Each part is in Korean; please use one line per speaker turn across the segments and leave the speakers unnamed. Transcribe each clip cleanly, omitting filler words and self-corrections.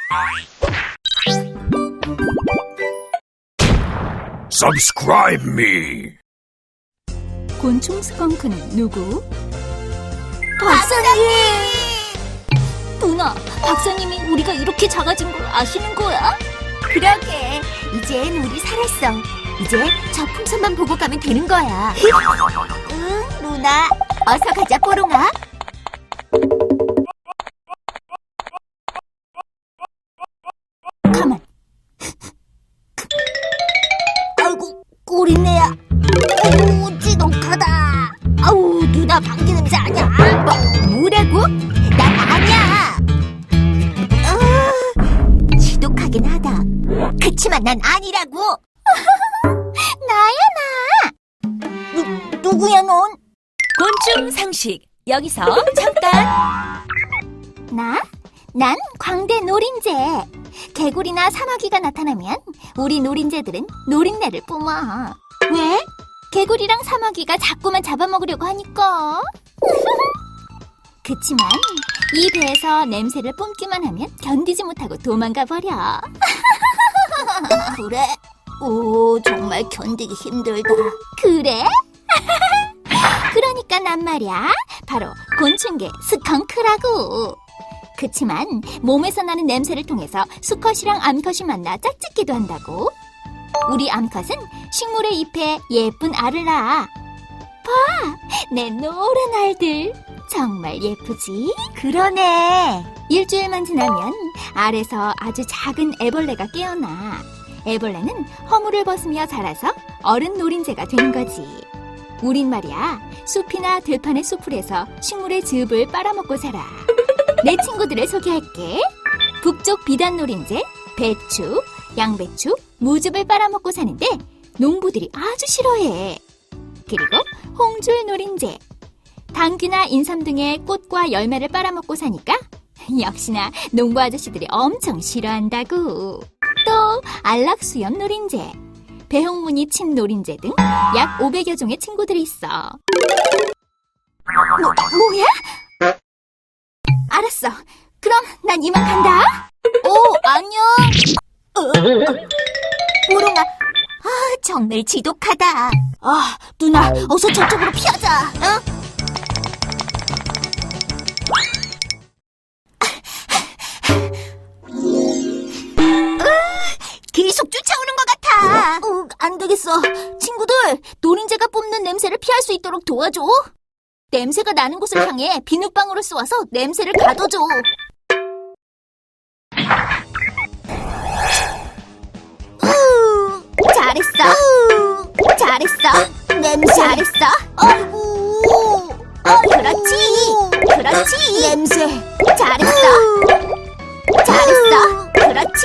Subscribe me.
곤충 스컹크는 누구? 박사님! 누나, 박사님이 우리가 이렇게 작아진 걸 아시는 거야?
그러게, 이젠 우리 살았어. 이제 저 풍선만 보고 가면 되는 거야. 응, 루나. 어서 가자, 뽀롱아.
가만.
아이고, 꿀이네야. 아이고, 지독하다. 아우, 누나 방귀 냄새 아니야. 뭐라고? 난 아니야. 지독하긴 하다. 그치만 난 아니라고. 나야, 나. 누구야, 넌?
곤충 상식, 여기서 잠깐.
난 광대 노린재. 개구리나 사마귀가 나타나면 우리 노린재들은 노린내를 뿜어. 왜? 개구리랑 사마귀가 자꾸만 잡아먹으려고 하니까. 그치만 이 배에서 냄새를 뿜기만 하면 견디지 못하고 도망가 버려. 그래? 오, 정말 견디기 힘들다. 그래? 그러니까 난 말이야, 바로 곤충계 스컹크라고. 그치만 몸에서 나는 냄새를 통해서 수컷이랑 암컷이 만나 짝짓기도 한다고. 우리 암컷은 식물의 잎에 예쁜 알을 낳아. 봐, 내 노란 알들. 정말 예쁘지? 그러네. 일주일만 지나면 알에서 아주 작은 애벌레가 깨어나. 애벌레는 허물을 벗으며 자라서 어른 노린재가 되는 거지. 우린 말이야, 숲이나 들판의 수풀에서 식물의 즙을 빨아먹고 살아. 내 친구들을 소개할게. 북쪽 비단 노린재, 배추, 양배추, 무즙을 빨아먹고 사는데 농부들이 아주 싫어해. 그리고 홍줄 노린재, 당귀나 인삼 등의 꽃과 열매를 빨아먹고 사니까 역시나 농부 아저씨들이 엄청 싫어한다고. 또 안락수염 노린재, 배홍무늬 친 노린재 등 약 500여 종의 친구들이 있어. 뭐야? 알았어. 그럼 난 이만 간다. 오, 안녕. 보롱아, 정말 지독하다. 누나, 어서 저쪽으로 피하자. 응? 계속 쫓아오는 것 같아. 안 되겠어. 친구들, 노린재가 뿜는 냄새를 피할 수 있도록 도와줘. 냄새가 나는 곳을 향해 비눗방울을 쏘아서 냄새를 가둬줘. 잘했어. 냄새. 잘했어. 아이고. 그렇지. 냄새. 잘했어. 그렇지.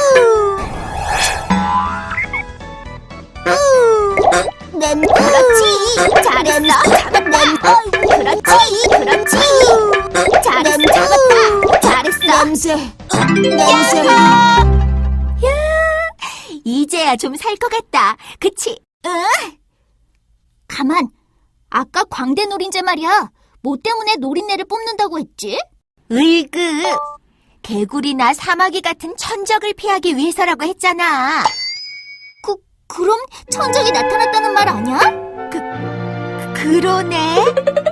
그렇지. 잘했어. 잡았다. 그렇지. 잘했어. 잡았다. 잘했어. 냄새. 야, 이제야 좀 살 것 같다. 그치? 응? 가만. 아까 광대 노린재 말이야. 뭐 때문에 노린내를 뿜는다고 했지? 으이그. 개구리나 사마귀 같은 천적을 피하기 위해서라고 했잖아. 그럼 천적이 나타났다는 말 아니야? 그러네.